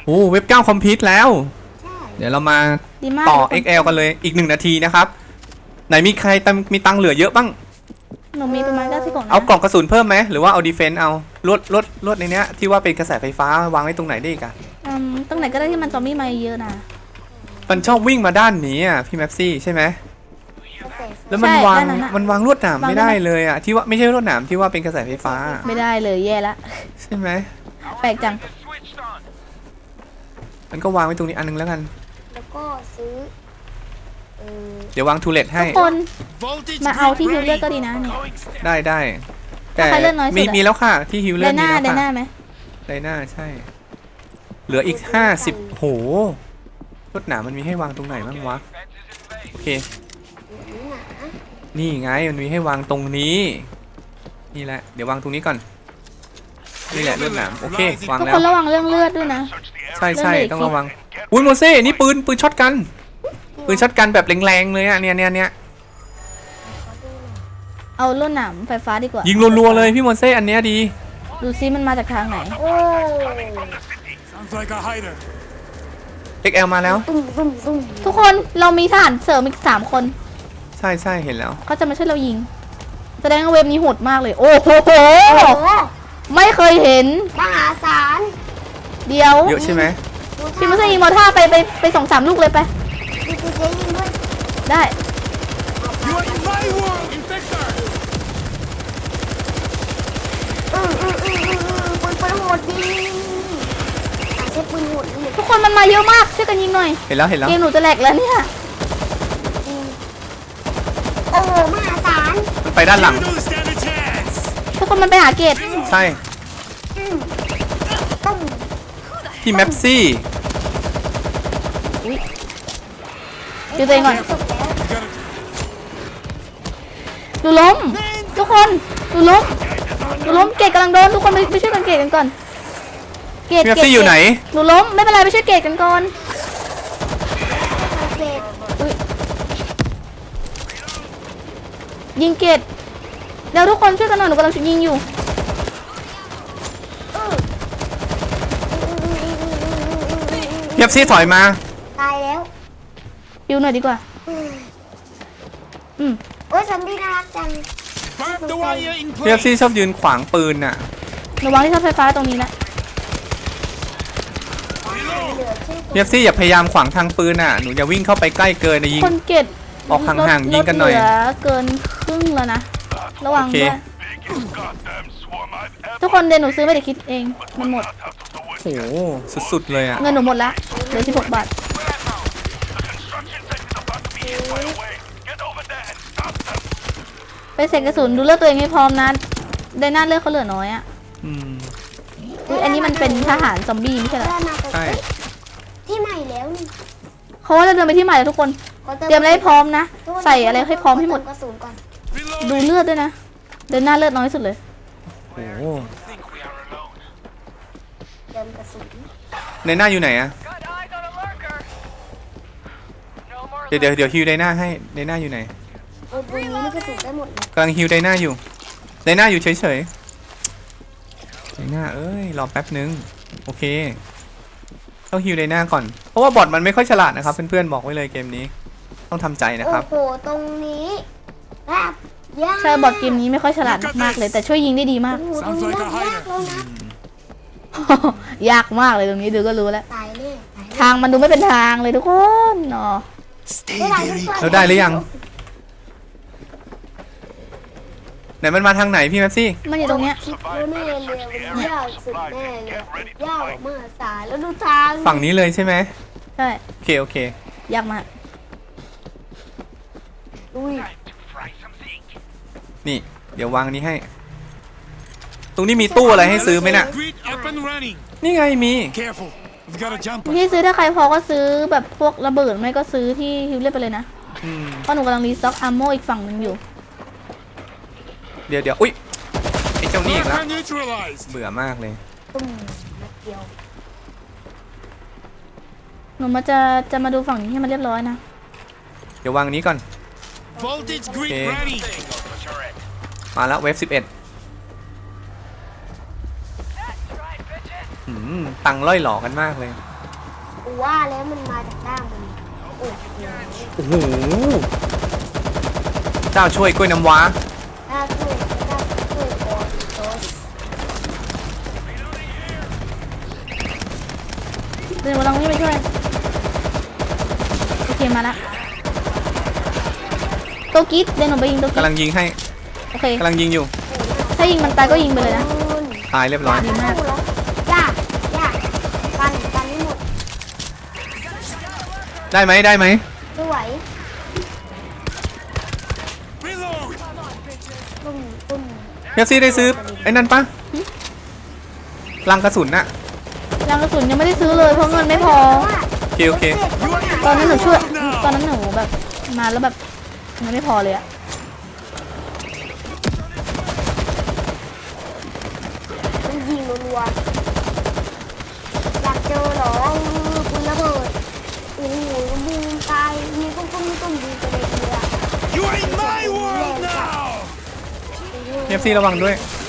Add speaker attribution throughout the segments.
Speaker 1: โอ้เว็บ9คอมพิวต์แล้ว
Speaker 2: ใช่
Speaker 1: เดี๋ยวเรามา
Speaker 3: ดีมาก
Speaker 1: ต่อ XL กันเลยอีก1 นาทีนะครับไหนมีใครมีตังค์เหลือเยอะบ้าง
Speaker 3: หนูมีประมาณ90 กล่องนะ
Speaker 1: เอากล่องกระสุนเพิ่มไหมหรือว่าเอาดีเฟนต์เอาลวดในเนี้ยที่ว่าเป็นกระแสไฟฟ้าวางไว้ตรงไหนได้อีกอะ
Speaker 3: ตรงไหนก็ได้ที่มันซอมบี้มาเยอะนะ
Speaker 1: มันชอบวิ่งมาด้านนี้อ่ะพี่แม็ปซี่ใช่ไหมแล้วมันวางลวดหนามไม่ได้เลยอ่ะที่ว่าไม่ใช่ลวดหนามที่ว่าเป็นกระแสไฟฟ้า
Speaker 3: ไม่ได้เลยแย่ละ
Speaker 1: ใช่ไหม
Speaker 3: แปลกจัง
Speaker 1: มันก็วางไว้ตรงนี้อันนึงแล้วกัน
Speaker 2: แล้วก็ซื้อ
Speaker 1: เดี๋ยววางทูเลตให้
Speaker 3: ทุกคนมาเอาที่ฮิวเลือดก็ดีนะเนี่ย
Speaker 1: ได้แต่มีแล้วค่ะที่ฮิวเลือดมีแล้วค่ะ
Speaker 3: ไดน่าไหม
Speaker 1: ไดน่าใช่เหลืออีก50โหลวดหนามมันมีให้วางตรงไหนบ้างวะโอเคนี่ไงมันมีให้วางตรงนี้นี่แหละเดี๋ยววางตรงนี้ก่อนนี่แหละลวดหนามโอเควางแล้ว
Speaker 3: ทุกคนระวังเรื่องเลือดด้วยนะ
Speaker 1: ใช่ต้องระวังอุ้ยโมเซ่นี่ปืนช็อตกันแบบแรงๆเลยอ่ะเนี่ย
Speaker 3: เอาลวดหนามไฟฟ้าดีกว่า
Speaker 1: ยิงรัวๆเลยพี่โมเซ่อันเนี้ยดี
Speaker 3: ดูซิมันมาจากทางไหน
Speaker 2: โอ้
Speaker 1: XL มาแล้ว
Speaker 3: ทุกคนเรามีทหารเสริมอีก3 คน
Speaker 1: ใช่เห็นแล้ว
Speaker 3: เขาจะมาช่วยเรายิงแสดงว่าเว็บนี้โหดมากเลยโอ้โหไม่เคยเห็น
Speaker 2: มหาศาล
Speaker 3: เดียว
Speaker 1: เยอะใช่ไหม
Speaker 3: พี่มุสยิงมอท่าไป2-3 ลูกเลยไป
Speaker 2: ดูเจ๊ยิงด้วย
Speaker 3: ได้
Speaker 2: ปืนโหดดีใช้ปืนโหดดี
Speaker 3: ทุกคนมันมาเยอะมากช่วยกันยิงหน่อย
Speaker 1: เห็นแล้ว
Speaker 3: เกมหนูจะแหลกแล้วเนี่ย
Speaker 2: โอ้มหาศาล
Speaker 1: ไปด้านหลัง
Speaker 3: ทุกคนมันไปหาเกต
Speaker 1: ใช่ที่แมปซี่
Speaker 3: ดูตัวเองก่อนดูล้มทุกคนดูล้มเกตกำลังโดนทุกคนไปช่วยกันเกตกันก่อน
Speaker 1: เกตอยู่ไหน
Speaker 3: หนูล้มไม่เป็นไรไปช่วยเกตกันก่อนยิงเกตเดี๋ยวทุกคนช่วยกันหน่อยหนูกำลังยิงอยู่
Speaker 1: เพียบซี่ถอยมา
Speaker 2: ตายแล้ว
Speaker 3: ยิวหน่อยดีกว่า
Speaker 2: โอ้ยซอมบี้น่ารักจัง
Speaker 1: เพียบซี่ชอบยืนขวางปืนน่ะ
Speaker 3: ระวังที่เสาไฟฟ้าตรงนี้นะ
Speaker 1: เพียบซี่อย่าพยายามขวางทางปืนน่ะหนูอย่าวิ่งเข้าไปใกล้เกินนะยิง
Speaker 3: คนเกต
Speaker 1: ออกห่างๆยิงกันหน่อย
Speaker 3: เหลือเกินครึ่งแล้วนะระวังด้วยทุกคนเดี๋ยวหนูซื้อไม่ได้คิดเองมันหมด
Speaker 1: โอ้สุดๆเลยอ่ะ
Speaker 3: เงินหนูหมดแล้วเหลือ16 บาทไปเสกกระสุนดูเลือดตัวเองให้พร้อมนะได้หน้าเลือดเขาเหลือน้อยอ่ะอันนี้มันเป็นทหารซอมบี้ไม่ใช่เหรอ
Speaker 1: ใช่
Speaker 2: ที่ใหม่แล้วนี่
Speaker 3: เขาว่าจะเดินไปที่ใหม่แล้วทุกคนเตรียมอะไรให้พร้อมนะใส่อะไรให้พร้อมให้หมดดูเลือดด้วยนะเดินหน้าเลือดน้อยสุดเลย
Speaker 1: โอ้
Speaker 2: เดินกระสุน
Speaker 1: ในหน้าอยู่ไหนอะเดี๋ยวฮิวไดหน้าให้ไดหน้าอยู่ไหน
Speaker 2: ปืนนี้กระสุนได้หมด
Speaker 1: กำลังฮิวไดหน้าอยู่ไดหน้าอยู่เฉยๆไดหน้าเอ้ยรอแป๊บนึงโอเคต้องฮิวไดหน้าก่อนเพราะว่าบอทมันไม่ค่อยฉลาดนะครับเพื่อนๆบอกไว้เลยเกมนี้ต้องทำใจนะครับ
Speaker 2: โอ้โหตรงนี้แบบยาก
Speaker 3: ใช่บอทเกมนี้ไม่ค่อยฉลาดมากเลยแต่ช่วยยิงได้ดีมากยากมากเลยตรงนี้ดูก็รู้แล้วทางมันดูไม่เป็นทางเลยทุกคนเนาะ
Speaker 1: เราได้หรือยังไหนมันมาทางไหนพี่แม็ปซี่
Speaker 3: มันอยู่ตรงเนี้ย
Speaker 2: แน่เลยมันยากสุดแน่เลยยากมากสายแล้วดูทาง
Speaker 1: ฝั่งนี้เลยใช่ไหม
Speaker 3: ใช่
Speaker 1: โอเค
Speaker 3: ยากมาก
Speaker 1: นี่เดี๋ยววางนี้ให้ตรงนี้มีตู้อะไรให้ซื้อไหมน่ะนี่ไงมี
Speaker 3: ที่ซื้อถ้าใครพอก็ซื้อแบบพวกระเบิดไม่ก็ซื้อที่ฮิวเล่ไปเลยนะเพราะหนูกำลังรีสต็อกอาร์โมอีกฝั่งหนึ่งอยู่
Speaker 1: เดี๋ยวอุ้ยไอ้เจ้านี่อีกแล้วเบื่อมากเลย
Speaker 3: หนูจะมาดูฝั่งนี้ให้มันเรียบร้อยนะ
Speaker 1: เดี๋ยววางนี้ก่อนมาแล้วเวฟ11ตังล่อยหลอกันมากเลย
Speaker 2: กูว่าแล้วมันมาจากด้านบนโอ้โห
Speaker 1: โอ้โหเจ้าช่วยกล้วยน้ำว้า
Speaker 2: ถ้าช่วยโอ้โห
Speaker 3: เดี๋ยวเราวิ่งไปช่วยโอเคมาละโตกิ๊ดเดี๋ยวหนูไปยิงโตกิ๊
Speaker 1: กำลั
Speaker 3: ด
Speaker 1: งยิงให้
Speaker 3: โอเค
Speaker 1: กำลังยิงอยู่
Speaker 3: ถ้ายิงมันตายก็ยิงไปเลยนะ
Speaker 1: ตายเรียบร้อย
Speaker 3: ดีมาก
Speaker 2: ยากกันให้หมด
Speaker 1: ได้ไหมได้ไหม
Speaker 2: ไม่ไหวตุ้ม
Speaker 1: เบปซี่ได้ซื้อไอ้นั่นปะลังกระสุนน่ะ
Speaker 3: ยังกระสุนยังไม่ได้ซื้อเลยเพราะเงินไม่พอ
Speaker 1: โอเคโอเค
Speaker 3: ตอนนั้นหนูช่วยตอนนั้นหนูแบบมาแล้วแบบเงินไม่พอเลยอะ
Speaker 2: มันยิงรัวๆอยากเจอเหรอคุณระเบิดโอ้โหบูมตายนี่ก็ต้องดีไปเลยทีละ
Speaker 4: You ain't my world now!
Speaker 1: เบปซี่ระวังด้วย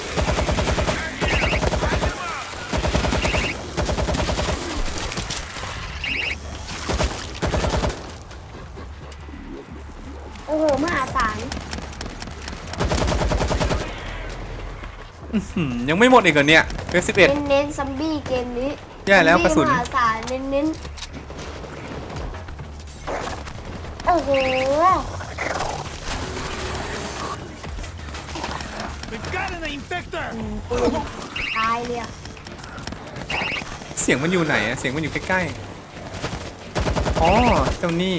Speaker 2: โอ้โหมหาศาล
Speaker 1: ยังไม่หมดอีกเหรอเนี่ยเบป11
Speaker 2: เน้นซัมบี้เกมนี้
Speaker 1: แย่แล้วกระสุน
Speaker 2: มหาศาลเน้นโอ้โห
Speaker 4: We've got an infector!
Speaker 2: ปืนตายเลยอะ
Speaker 1: เสียงมันอยู่ไหนอะเสียงมันอยู่ใกล้ๆอ๋อเจ้านี่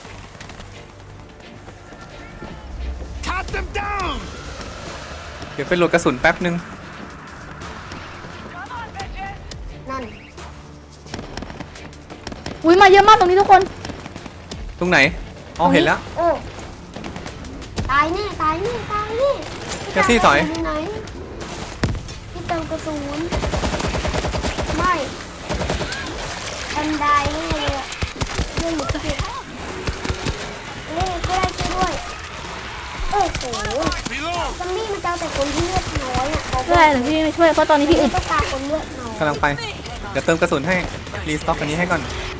Speaker 4: Cut them down!
Speaker 1: เดี๋ยวไปโหลดกระสุนแป๊บนึง
Speaker 2: นั่น
Speaker 3: อุ้ยมาเยอะมากตรงนี้ทุกคน
Speaker 1: ตรงไหนอ๋อเห็นแล้ว
Speaker 2: โอ้ตายแน่ตายแน่ตายแน่
Speaker 1: แท็กซี่ถอย
Speaker 2: พี่ไหนพี่เติมกระสุนไม่แอนได้แน่เลยอะเรื่องหนูพี่เล่นก็ได้ช่วยด้วยโอ้โห
Speaker 4: Reload!
Speaker 2: ซัมบี้มันจะเอาแต่คนที่เลือดน้อยอ่ะเขา
Speaker 3: ช่วยหรือพี่ไม่ช่วยเพราะตอนนี้พี่อึด
Speaker 2: ต้องการคนเลือดน้อย
Speaker 1: กำลังไป เดี๋ยวเติมกระสุนให้ รีสต็อกอันนี้ให้ก่อน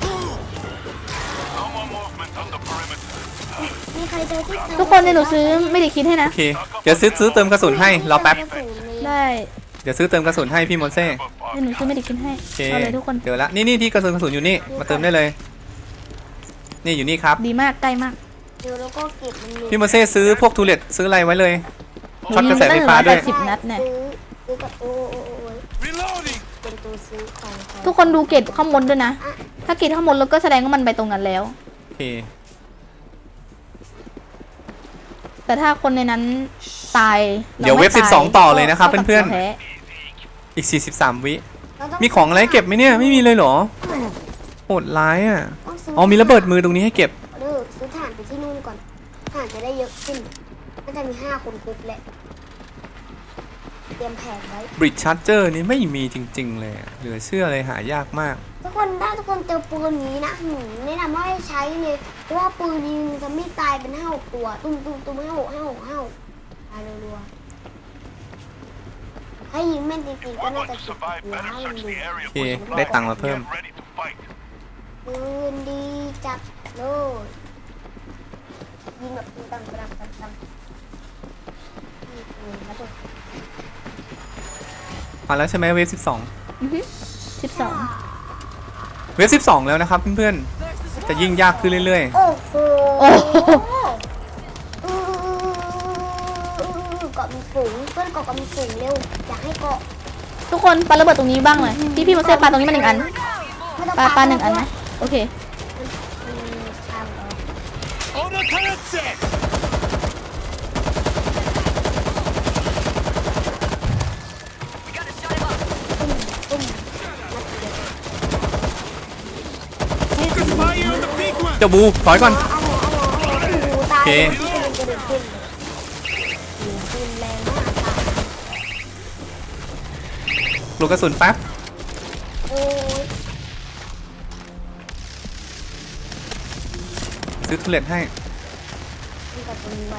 Speaker 2: มีใครเจอที่
Speaker 3: ทุกคนเนี่ยหนูซื้อไม่ได้คิดให้นะ
Speaker 1: โอเค เดี๋ยวซื้อเติมกระสุนให้ รอแป๊บ
Speaker 3: ได้
Speaker 1: เดี๋ยวซื้อเติมกระสุนให้พี่มอนเซ่
Speaker 3: เดี๋ยวหนูซื้อไม่ได้คิดให้
Speaker 1: โอเค
Speaker 3: เอาเลยทุกคน
Speaker 1: เดี๋ยวละ นี่ที่กระสุนอยู่นี่ มาเติมได้เลย นี่อยู่นี่ครับ
Speaker 3: ดีมากใกล้มาก
Speaker 2: เดี๋ยวแล้วก็เก็บมัน
Speaker 1: พี่มอนเซ่ซื้อพวกทูเลตซื้ออะไรไว้เลย ช็อตกระแสไฟฟ้าด้วย
Speaker 3: 10 นัดเนี่ย
Speaker 2: ซื้อกับโอ้
Speaker 4: Reloading!
Speaker 2: เป็นตัวซื้อของเขา
Speaker 3: ทุกคนดูเกตข้างบนด้วยนะ ถ้าเกตข้างบนแล้วก็แสดงว่ามันไปตรงนั้นแล้ว
Speaker 1: โอเค
Speaker 3: แต่ถ้าคนในนั้นตาย
Speaker 1: เดี๋ยวเว็บ
Speaker 3: ราไม่ตาย
Speaker 1: 12ต่อเลยนะครับ
Speaker 3: ก็
Speaker 1: เพื่อน
Speaker 3: แพ้
Speaker 1: ๆ อีก 43 วิ
Speaker 2: เราต้
Speaker 1: มีของอะไรเก็บไหมเนี่ย ไม่มีเลยเหรอ โหดร้ายอ่ะ
Speaker 2: ต้องซื้
Speaker 1: อ๋อมีระเบิดมือตรงนี้ให้เก็บ
Speaker 2: เลิกซื้อถ่านไปที่นู่นก่อนถ่านจะได้เยอะขึ้นก็จะมี5 คนคุกแหละเตรียมแผนไว้
Speaker 1: บริดชาร์เจอร์นี่ไม่มีจริงๆเลยอะเหลือเชื่อเลยหายากมาก
Speaker 2: ทุกคนถ้าทุกคนเจอปืนนี้นะแนะนำว่าให้ใช้เลยเพราะว่าปืนนี้จะไม่ตายเป็น5-6 ตัวตุ้มตายรัวๆให้ยิงแม่นจริงๆก็น่าจะจุดหัวให้มันดู
Speaker 1: โอเค ได้ตังค์มาเพิ่ม
Speaker 2: ปืนดีจัดเลยยิงแบบตังระเบิด
Speaker 1: มาแล้วใช่ไหมเวฟ
Speaker 3: 12
Speaker 1: 12 เวฟ 12 แล้วนะครับเพื่อนๆ จะยิ่งยากขึ้นเรื่อย
Speaker 2: โอ้โห
Speaker 3: โอ้โห
Speaker 2: เกาะมีฝูงเพื่อนเกาะมีฝูงเร็วอยากให้เกาะ
Speaker 3: ทุกคนปาระเบิดตรงนี้บ้างเลยพี่มาเซฟปาตรงนี้มา1 อัน
Speaker 2: ไม่ต้อง
Speaker 3: ปา1 อันนะโอเค
Speaker 4: Auto turret set!
Speaker 2: ตุ้ม
Speaker 4: Focus fire on the big one!
Speaker 1: ๆ เจ้าบูถอยก่อน
Speaker 2: ตาย
Speaker 1: โอเค
Speaker 2: ที่เป็นกระดูกขึ้นปืนแรงมากค่ะ
Speaker 1: โหลดกระสุนแป๊บ
Speaker 2: โอ้ย
Speaker 1: ซื้อทูเลตให้
Speaker 2: มีกับตรงนี้ไว้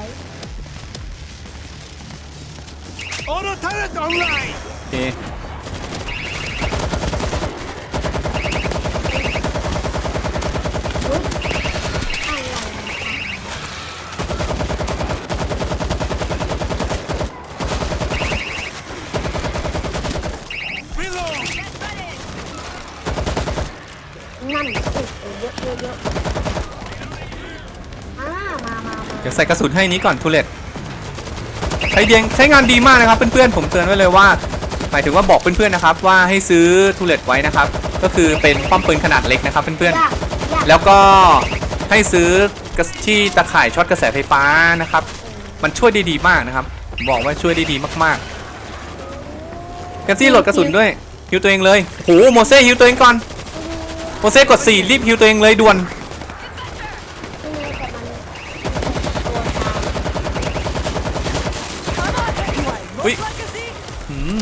Speaker 4: Auto turret online!
Speaker 1: โอเค
Speaker 2: เยอะมา
Speaker 1: เดี๋ยวใส่กระสุนให้นี้ก่อนทูเลตใช้งานดีมากนะครับเพื่อนๆผมเตือนไว้เลยว่าหมายถึงว่าบอกเพื่อนๆนะครับว่าให้ซื้อทูเลตไว้นะครับก็คือเป็นป้อมปืนขนาดเล็กนะครับเพื่อน
Speaker 2: ยาก
Speaker 1: ๆแล้วก็ให้ซื้อกระที่ตะข่ายช็อตกระแสไฟฟ้านะครับมันช่วยได้ดีมากนะครับบอกว่าช่วยได้ดีมากๆแกซี่โหลดกระสุนด้วยฮิวตัวเองเลยโหโมเซ่ฮิวตัวเองก่อนโมเซ่กด4รีบฮิวตัวเองเลยด่วน
Speaker 2: ที่นี่แต่มันตัวตาม
Speaker 1: อุ้ยอืม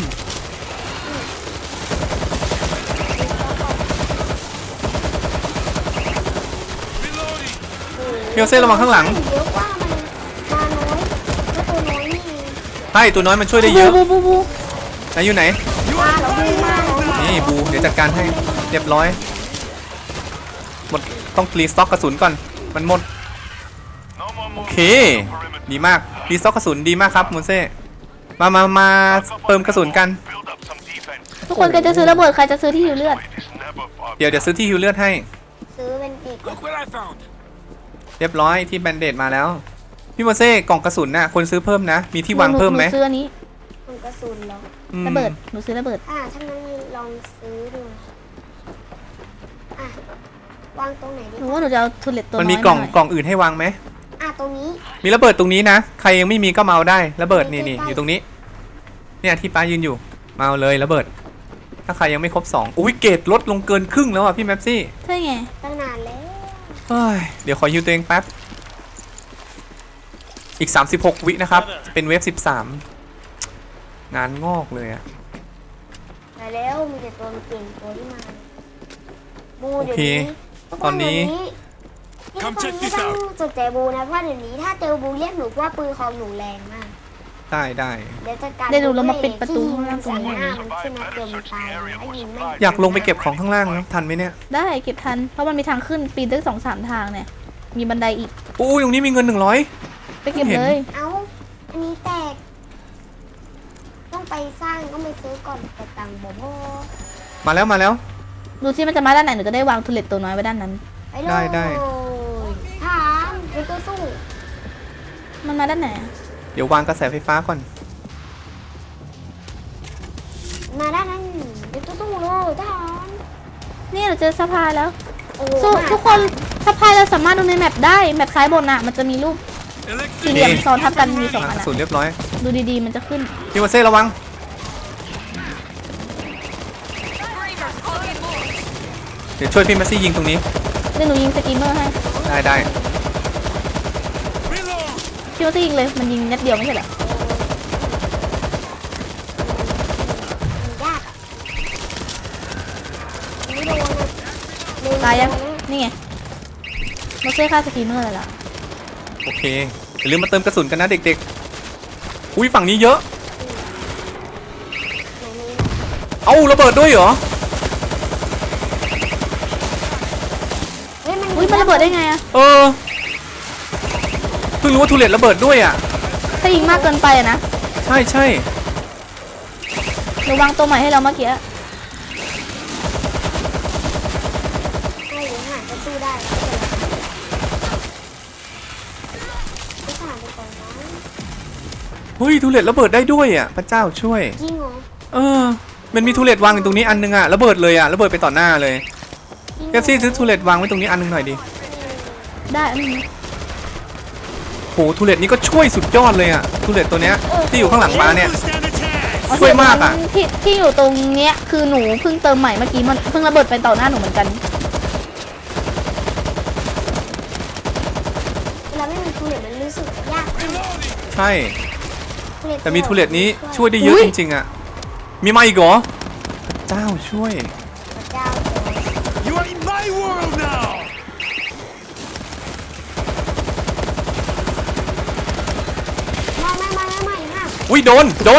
Speaker 1: พี่โมเซ่ระวังข้างหลัง
Speaker 2: เยอะว่ามันมาน้อยแล้วตัวน้อยนี่
Speaker 1: ใช่ตัวน้อยมันช่วยได้เยอะ
Speaker 3: บู
Speaker 1: ไหนอยู่ไหน
Speaker 2: มาแล้วบูมาแล้ว
Speaker 1: นี่บูเดี๋ยวจัดการให้เรียบร้อยหมดต้องรีสต็อกกระสุนก่อนมันหมดโอเคดีมากรีสต็อกกระสุนดีมากครับโมเซ่มาเติมกระสุนกัน
Speaker 3: ทุกคนใครจะซื้อระเบิดใครจะซื้อที่หิวเลือด
Speaker 1: เดี๋ยวซื้อที่ฮิวเลือดให้
Speaker 2: ซื้อเป็นอีก
Speaker 4: Look what I found.
Speaker 1: เรียบร้อยที่แบนเดดมาแล้วพี่โมเซ่กล่องกระสุนน่ะคนซื้อเพิ่มนะมีที่วางเพิ่มไหม
Speaker 3: นูซื้ออันนี้
Speaker 2: มันกระสุนเหรอ
Speaker 1: อืม
Speaker 3: ระเบิดหนูซื้อระเบิด
Speaker 2: ถ้างั้นลองซื้อดูวางตรงไหนดี
Speaker 3: หนูว่าหนูจะเอาทูเลตตัวน้อย
Speaker 1: มันมีกล่อง
Speaker 3: หน่ย
Speaker 1: กล่องอื่นให้วางไหม
Speaker 2: ตรงนี้
Speaker 1: มีระเบิดตรงนี้นะใครยังไม่มีก็มาเอาได้ระเบิดนี่อยู่ตรงนี้เนี่ยที่ป้ายืนอยู่มาเอาเลยระเบิด ถ้าใครยังไม่ครบ2อุ้ยเกรดลดลงเกินครึ่งแล้วอ่ะพี่แมปซี่
Speaker 3: ใช่ไง
Speaker 2: ตั้งนานแล้ว
Speaker 1: เฮ้ยเดี๋ยวขอฮิวตัวเองแป๊บอีก36วินะครับเป็นเวฟ13งานงอกเลยอ่ะ
Speaker 2: แต่แล้วมีแต่ตัวเก่งตัวที่มาบู
Speaker 1: โอ
Speaker 2: เดี๋ยว
Speaker 1: เค
Speaker 2: นี้
Speaker 1: ตอนนี้
Speaker 4: Come check
Speaker 2: นี่
Speaker 4: this
Speaker 2: ต้อง
Speaker 4: out
Speaker 2: สนใจบูนะเพราะเดี๋ยวนี้ถ้าเจอบูเรียกหนูว่าปืนของหนูแรงมาก
Speaker 1: ได้
Speaker 2: เดี๋ยวจะการ
Speaker 3: เดี๋ยวหนูเรามาปิดประตู
Speaker 2: ที่ยิง
Speaker 3: ข้างล่างตรงนี้
Speaker 2: มันขึ้นมาเกินมันตายแล้วยิงไม่
Speaker 1: อยากลงไปเก็บของข้างล่างนะทันไหมเนี่ย
Speaker 3: ได้เก็บทันเพราะมันมีทางขึ้นปีนได้2-3 ทางเนี่ยมีบันไดอีก
Speaker 1: อู้ตรงนี้มีเงิน100
Speaker 3: ไปเก็บ
Speaker 1: เห็น
Speaker 3: เลย
Speaker 2: เอ้าอันนี้แตกต้องไปสร้างต้องไปซื้อก่อนแต่ตังค์บ่พอ
Speaker 1: มาแล้ว
Speaker 3: ดูซิมันจะมาด้านไหนหนูจะได้วางทูเลตตัวน้อยไว้ด้านนั้น
Speaker 2: ไปเลย
Speaker 1: ได้
Speaker 2: ถามไปตัวสู้
Speaker 3: มันมาด้านไหนอะ
Speaker 1: เดี๋ยววางกระแสไฟฟ้าก่อน
Speaker 2: มาด้านนั้นไปตัวสู้เลยทหาร
Speaker 3: นี่เราเจอสะพายแล้ว
Speaker 2: โอ้โห
Speaker 3: สู้ทุกคนสะพายเราสามารถดูในแมปได้แมปซ้ายบนน่ะมันจะมีรูปสี่เหลี่ยมซ้อนทับกันมี2
Speaker 1: วาง
Speaker 3: อัน
Speaker 1: กระ
Speaker 3: อะ
Speaker 1: สุนเรียบร้อย
Speaker 3: ดูดีๆมันจะขึ้น
Speaker 1: พี่โมเซ่ระวังเดี๋ยวช่วยพี่แมปซี่ยิงตรงนี้
Speaker 3: เดี๋ยวหนูยิงสกีมเมอร์ให้
Speaker 1: ได้
Speaker 4: Reload.
Speaker 3: พี่ว่าจะยิงเลยมันยิงนัดเดียวไม่ใช่เหรอ
Speaker 2: มันยากอะไม่โดนเลย
Speaker 3: ตายยังนี่ไงโมเซ่ฆ่าสกีมเมอร์เลยล่ะ
Speaker 1: โอเคอย่าลืมมาเติมกระสุนกันนะเด็กๆอุ้ยฝั่งนี้เยอะเอ้าระเบิดด้วยเหรอ
Speaker 2: เฮ้ยมัน
Speaker 3: อุ้ยมันระเบิดได้ไงอะ
Speaker 1: เออเพิ่งรู้ว่าทูเลตระเบิดด้วยอ่ะ
Speaker 3: ถ้ายิงมากเกินไปอะนะ
Speaker 1: ใช่
Speaker 3: หนูวางตัวใหม่ให้เราเมื่อกี้
Speaker 2: ให้หรือหารก็สู้ได้ไม่เป็นไรไปสานไปก่อนนะ
Speaker 1: เฮ้ยทูเลตระเบิดได้ด้วยอ่ะพระเจ้าช่วย
Speaker 2: จริงเหรอ
Speaker 1: เออมันมีทูเลตวางอยู่ตรงนี้อันนึงอ่ะระเบิดเลยอ่ะระเบิดไปต่อหน้าเลย
Speaker 2: จริง
Speaker 1: เอฟซีซื้อทูเลตวางไว้ตรงนี้อันนึงหน่อยดิ
Speaker 3: ได้อันนี้
Speaker 1: โหทูเลตนี้ก็ช่วยสุดยอดเลยอ่ะทูเลตตัวเนี้ยที่อยู่ข้างหลังม้าเนี่ย
Speaker 4: Stand attack.
Speaker 1: ช่วยมากอะ
Speaker 3: ที่อยู่ตรงเนี้ยคือหนูเพิ่งเติมใหม่เมื่อกี้มันเพิ่งระเบิดไปต่อหน้าหนูเหมือนกัน
Speaker 2: เวลาไม่มีทูเลตมันรู้สึกยากขึ้น
Speaker 1: ใช่แต่มีทูเลตนี้ช่วยได้เยอะจริงๆอ่ะมีมาอีกเหรอพระเจ้าช่วย
Speaker 2: พระเจ้าโจร
Speaker 4: You are in my world now.
Speaker 2: ไม่ฮะ
Speaker 1: อุ้ยโดน
Speaker 2: คือ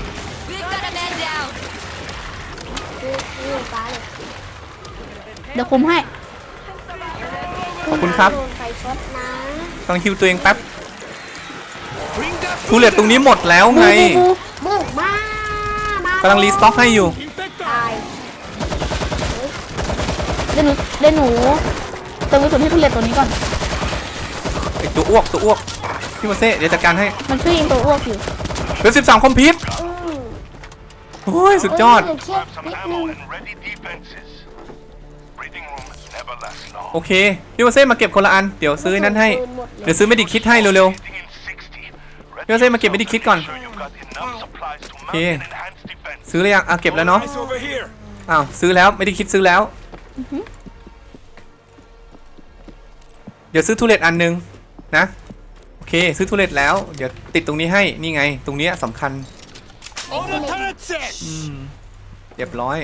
Speaker 2: ฟ้าเลย
Speaker 3: เดี๋ยวคุมให้
Speaker 1: ขอบคุณครับ
Speaker 2: โดนไฟช็อตนะ
Speaker 1: กำลังฮิวตัวเองแป๊บ
Speaker 4: Bring that
Speaker 1: ทูเลตตรงนี้หมดแล้วไง
Speaker 2: บุกมาก
Speaker 1: ำลังรีสต็อกให้อยู่
Speaker 4: infector.
Speaker 2: ตาย
Speaker 3: เดี๋ยวหนูเติมกระสุนให้ทุเรศตัวนี้ก่อน
Speaker 1: ไอตัวอ้วกพี่โมเซ่เดี๋ยวจัดการให้
Speaker 3: มันช่วยยิงตัวอ้วกอยู่
Speaker 1: เหลือ13คอมพิวต์
Speaker 2: อืม
Speaker 1: โอ้ยสุดยอด
Speaker 2: เหลือแค่นิดนึง
Speaker 5: ready defenses. Breathing rooms never last long.
Speaker 1: โอเคพี่โมเซ่มาเก็บคนละอันเดี๋ยวซื้อนั้นให้
Speaker 2: ปืนหมดเลย
Speaker 1: เดี๋ยวซื้อไม่ดิคิดให้เร็ว
Speaker 5: Sitting in 60.
Speaker 1: พี่โมเซ่มาเก็บไม่ดิคิดก่อน
Speaker 5: Sure you've got enough supplies to mount
Speaker 1: Okay.
Speaker 5: an enhanced defense.
Speaker 1: ซื้อเลยยังอ่ะเก็บแล้วเนาะ
Speaker 4: Eyes over here.
Speaker 1: อ้าวซื้อแล้วไม่ได้คิดซื้อแล้ว เดี๋ยวซื้อทูเลตอันนึงนะโอเคซื้อทูเลตแล้วเดี๋ยวติดตรงนี้ให้นี่ไง ตรงเนี้ยสำคัญ
Speaker 4: On the turret set.
Speaker 1: เรียบร้อย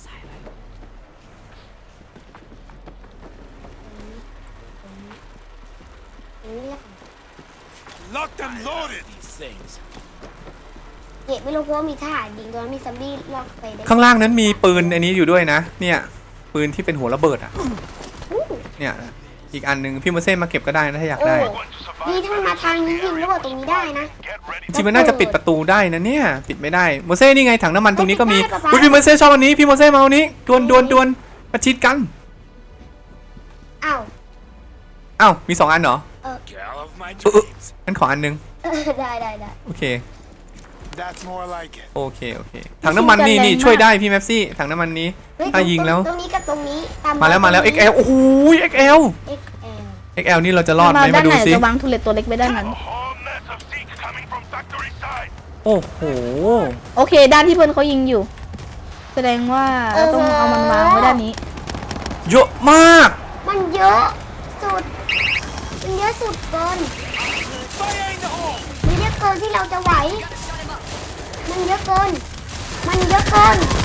Speaker 4: Locked and loaded. These things.
Speaker 2: เก็บไม่รู้เพราะว่ามีทหารยิงตัวนั้นมีซัมบี้ลอกไปได้
Speaker 1: ข้างล่างนั้นมีปืนอันนี้อยู่ด้วยนะ เนี่ยปืนที่เป็นหัวระเบิดอ่ะ
Speaker 2: อู้
Speaker 1: เนี่ยอีกอันนึงพี่โมเซ่มาเก็บก็ได้นะถ้าอยากได้
Speaker 2: นี่ถ้ามันมาทางนี้ยิงระเบิดตรงนี้ได้นะ
Speaker 5: Get ready.
Speaker 1: จริงๆมันน่าจะปิดประตูได้นะเนี่ยปิดไม่ได้โมเซ่นี่ไงถังน้ำมันตรงนี้ก็มี
Speaker 2: ปิดได้ปะ
Speaker 1: อุ๊ยพี่โมเซ่ชอบอันนี้พี่โมเซ่มาเอานี้ดวนประชิดกัน
Speaker 2: อ้าว
Speaker 1: อ้าวมี2อันเหรอ
Speaker 4: Girl of my dreams.
Speaker 1: งั้นขออันนึง
Speaker 2: ได้
Speaker 1: โอเค
Speaker 4: That's more like it.
Speaker 1: โอเคถังน้ำมันนี่ช่วยได้พี่แม็ปซี่ถังน้ำมันนี้
Speaker 2: เฮ้ย
Speaker 1: ถ้ายิงแล้ว
Speaker 2: ตรงนี้กับตรงนี้ต
Speaker 1: มาแล้ว XL โอ้โห XL
Speaker 2: XL
Speaker 1: XL นี่เราจะรอดไหม
Speaker 3: ด้า
Speaker 1: มาน ดู
Speaker 3: ไหน
Speaker 1: สิ
Speaker 3: จะวางทุเรศตัวเล็กไว้ด้านนั้น
Speaker 5: A whole mess of Zeke coming from factory side.
Speaker 1: โอ้โห
Speaker 3: โอเค ด้านที่เพื่อนเขายิงอยู่ แสดงว่าต้องเอามันวางไว้ด้านนี้
Speaker 1: เยอะมาก
Speaker 2: มันเยอะสุดมันเยอะสุดเกิน
Speaker 4: Fire in the hole.
Speaker 2: มันเยอะเกินที่เราจะไหว มันเยอะเกินนี่ไม่ส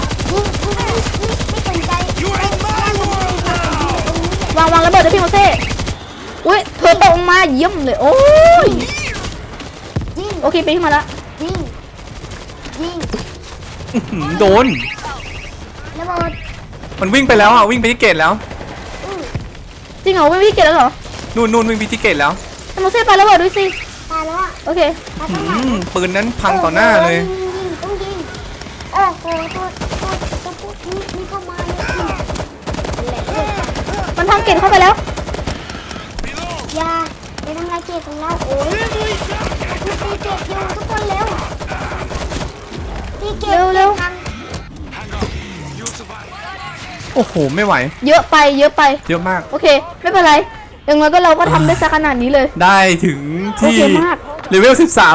Speaker 2: นใจ
Speaker 4: You are in my world now.
Speaker 3: วางระเบิดด้วยพี่โมเซ่อุ้ยเธอตกลงมาเยี่ยมเลย โอ้ย
Speaker 2: ยิง
Speaker 3: โอเคไปขึ้นมาแล้ว
Speaker 2: ยิง
Speaker 1: โดน
Speaker 2: ระเบิด
Speaker 1: มันวิ่งไปแล้วอ่ะวิ่งไปที่เกตแล้ว
Speaker 3: จริงเหรอไม่พี่เก็บแล้วเหรอ
Speaker 1: นู่นวิ่งไปที่เกตแล้ว
Speaker 3: แต่โมเซ่ไประเบิดด้วยสิ
Speaker 2: ตายแล้วอ่ะ
Speaker 3: โอเค
Speaker 2: ตายตั้งหลาย
Speaker 1: ปืนนั้นพังต่อหน้าเลย
Speaker 2: ยิงต้องยิงโอ้โหตัวพวกนี้เข้ามาเลย
Speaker 3: มันพังเก็บเข้าไปแล้ว
Speaker 2: อย่าไปทำลายเกตของเราโอ้ยตีเกตอยู่ทุกคนเร็วตีเกต
Speaker 3: เร็ว
Speaker 2: พัง
Speaker 1: โอ้โหไม่ไหว
Speaker 3: เยอะไป
Speaker 1: เยอะมาก
Speaker 3: โอเค ไม่เป็นไรอย่างน้อยก็เราก็ทำได้สักขนาดนี้เลย
Speaker 1: ได้ถึงที่
Speaker 3: โอเคมาก
Speaker 1: เลเวล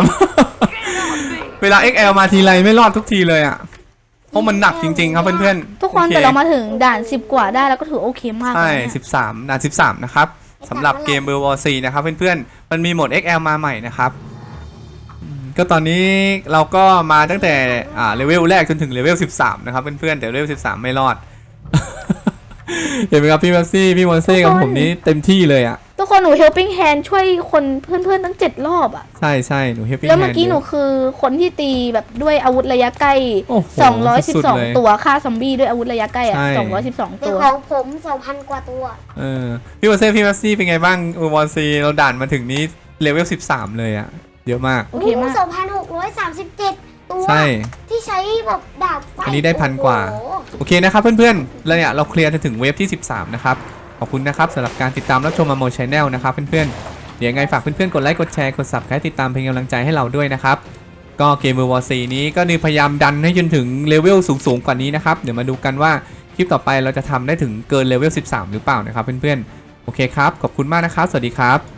Speaker 1: 13 เวลา XL มาทีไรไม่รอดทุกทีเลยอ่ะเพราะมันหนักจริงๆครับเพื่อนๆ
Speaker 3: ทุกคน
Speaker 1: โอ
Speaker 3: แต่เรามาถึงด่าน10 กว่าได้แล้วก็ถือโอเคมาก
Speaker 1: ใช่
Speaker 3: เลยเนี่ย
Speaker 1: 13ด่าน13นะครับสำหรับเกม World War C นะครับเพื่อนๆมันมีโหมด XL มาใหม่นะครับก็ตอนนี้เราก็มาตั้งแต่เลเวลแรกจนถึงเลเวล13นะครับเพื่อนๆแต่เลเวล13ไม่รอด เห็นไหมครับพี่แม็กซี่พี่มอนเซ่กับผมนี้เต็มที่เลยอ่ะ
Speaker 3: ทุกคนหนู helping hand ช่วยคนเพื่อนๆตั้ง7 รอบอ่ะ
Speaker 1: ใช่หนูเฮปปี้
Speaker 3: แล้วเมื่อกี้หนูคือคนที่ตีแบบด้วยอาวุธระยะใกล้
Speaker 1: โอ้โหสุดๆเลย
Speaker 3: 212 ตัวฆ่าซอมบี้ด้วยอาวุธระยะใกล้อ่ะ
Speaker 1: ใช่
Speaker 3: 212
Speaker 2: แต่
Speaker 3: ตัว
Speaker 2: ของผม 2,000 กว่าตัว
Speaker 1: พี่มอนเซ่พี่แม็กซี่เป็นไงบ้างวอร์ซีเราด่านมาถึงนี้เลเวล13เลยอ่ะเยอะมาก
Speaker 3: โอเคมาก
Speaker 2: 2,637 ตัว
Speaker 1: ใช่
Speaker 2: ที่ใช้แบบดาบไฟ
Speaker 1: อันนี้ได้1,000 กว่า
Speaker 2: โอ้โห
Speaker 1: โอเคนะครับเพื่อนๆแล้วเนี่ยเราเคลียร์จนถึงเวฟที่13นะครับขอบคุณนะครับสำหรับการติดตามรับชมมาโมชแนลนะครับเพื่อนๆเดี๋ยวยังไงฝากเพื่อนๆกดไลค์กดแชร์กด Subscribe ติดตามเป็นกำลังใจให้เราด้วยนะครับก็เกม World War C นี้ก็พยายามดันให้จนถึงเลเวลสูงๆกว่านี้นะครับเดี๋ยวมาดูกันว่าคลิปต่อไปเราจะทำได้ถึงเกินเลเวล13หรือเปล่านะครับเพื่อนๆโอเคครับขอบคุณมากนะครับสวัสดีครับ